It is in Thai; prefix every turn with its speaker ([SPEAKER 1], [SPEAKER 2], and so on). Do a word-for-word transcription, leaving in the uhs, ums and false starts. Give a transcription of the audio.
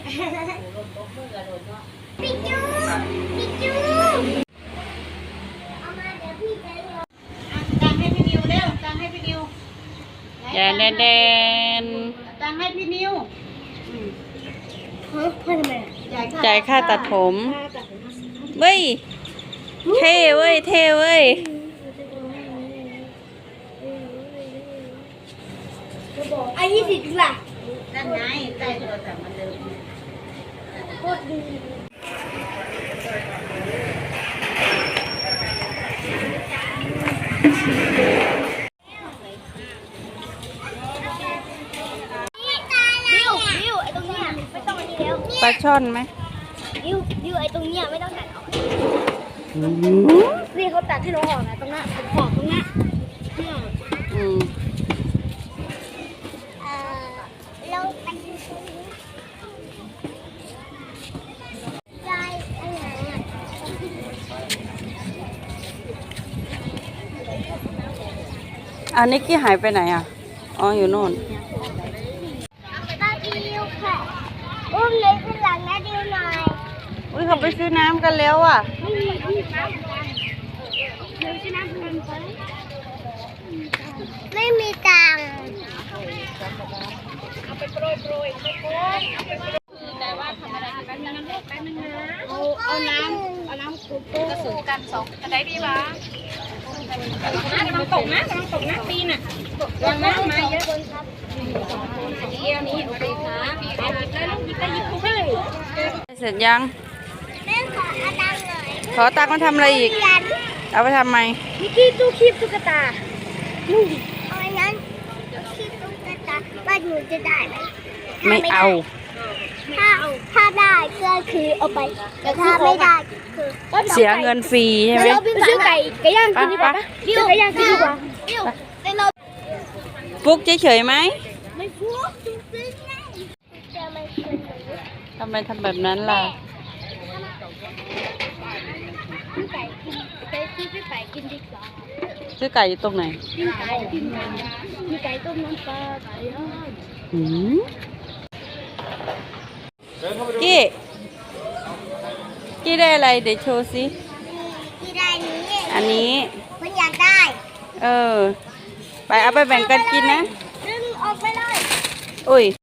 [SPEAKER 1] พี่จูพี่จูเอามาเดี๋ยวพี่จะเลี้ยงตังให้พี่นิวเร็วตังให้พี่นิว
[SPEAKER 2] แดนแดนแดน
[SPEAKER 1] ตังให้พี่นิวฮะเพื่อทำไม
[SPEAKER 2] จ่ายค่าตัดผมเว้ยเท่เว้ยเท่เว้ย
[SPEAKER 1] ไอ้ยี่สิบล่ะ
[SPEAKER 3] นั่นไงใต้โทรศัพท์มันเดิม
[SPEAKER 1] โคตรดีดิวดิวไอ้ตรงเนี้ยไม่ต้องอันนี้แล้ว
[SPEAKER 2] ปลาช่อนไหม
[SPEAKER 1] ดิวดิวไอ้ตรงเนี้ยไม่ต้องตัดออกนี่เขาตัดให้น้องออกนะตรงนั้นขอบตรงนั้น
[SPEAKER 2] อืม
[SPEAKER 1] เราไปดูตรงนี้ยายไปไหนอ่ะ
[SPEAKER 2] อันนี้กี้หายไปไหนอ่ะอ๋ออยู่โน่น
[SPEAKER 1] ป้าดิวค่ะอุ้มเลยขึ้นหลังนะดิวหน่อย
[SPEAKER 2] อุ้ยเขาไปซื้อน้ำกันแล้วอ่ะ
[SPEAKER 1] ไม่มีที่น้ำกันเดี๋ยวซื้อน้ำกันไปไม่มีตังค์เอาไปโปรยโปรยโปรยแต่ว่าทำอะไรแป๊บนึงแป๊บนึงนะเอาเอาน้ำเอาน้ำกุ๊กกระสุนกันสองจะได้ดีวะกำลังตกนะกำลังตกนะปีน่ะวางน้ำมาเยอะครับเดียวนี้โอเคครับเอาหยิบเลยลูกหยิบได้หยิบทุกเลย
[SPEAKER 2] เสร็จยัง
[SPEAKER 1] แม่ขอเอาตังค์หน่อย
[SPEAKER 2] ขอตังค์มาทำอะไรอีกเอาไปทำไม
[SPEAKER 1] มิกกี้ตู้คีบตุ๊กตานู่นเอาอันนั้นคีบตุ๊กตาบ้านหนูจะได้ไหม
[SPEAKER 2] ไม่เอา
[SPEAKER 1] ถ้าถ้าได้ก็คือเอาไปแต่ถ้าไม่ได้คือ
[SPEAKER 2] เสียเงินฟรีใช่ไหม
[SPEAKER 1] ไปซื้อไก่ไก่ย่างกินดีกว่าดิวไก่ย่างกินดีกว่าดิวแต่เรา
[SPEAKER 2] ปุ๊กเฉยๆไหม
[SPEAKER 1] ไม่พูดจริงๆไงจะไม่คืนหนู
[SPEAKER 2] ทำไมทำแบบนั้นล่ะ
[SPEAKER 1] ไก่กินไปซื้อไก่กินดีกว่า
[SPEAKER 2] ซื้อไก่อยู่ตรงไหน
[SPEAKER 1] กินไก่กินไก่มีไก่ต้มน้ำปลาไก่ย่าง
[SPEAKER 2] อืมกี้กี้ได้อะไรเดี๋ยวโชว์สิ
[SPEAKER 1] ที่ได้นี้
[SPEAKER 2] อันนี้
[SPEAKER 1] คุณอยากได้
[SPEAKER 2] เออไปเอาไปแบ่งกันกินนะ
[SPEAKER 1] ดึงออกไปเลย
[SPEAKER 2] อุ้ย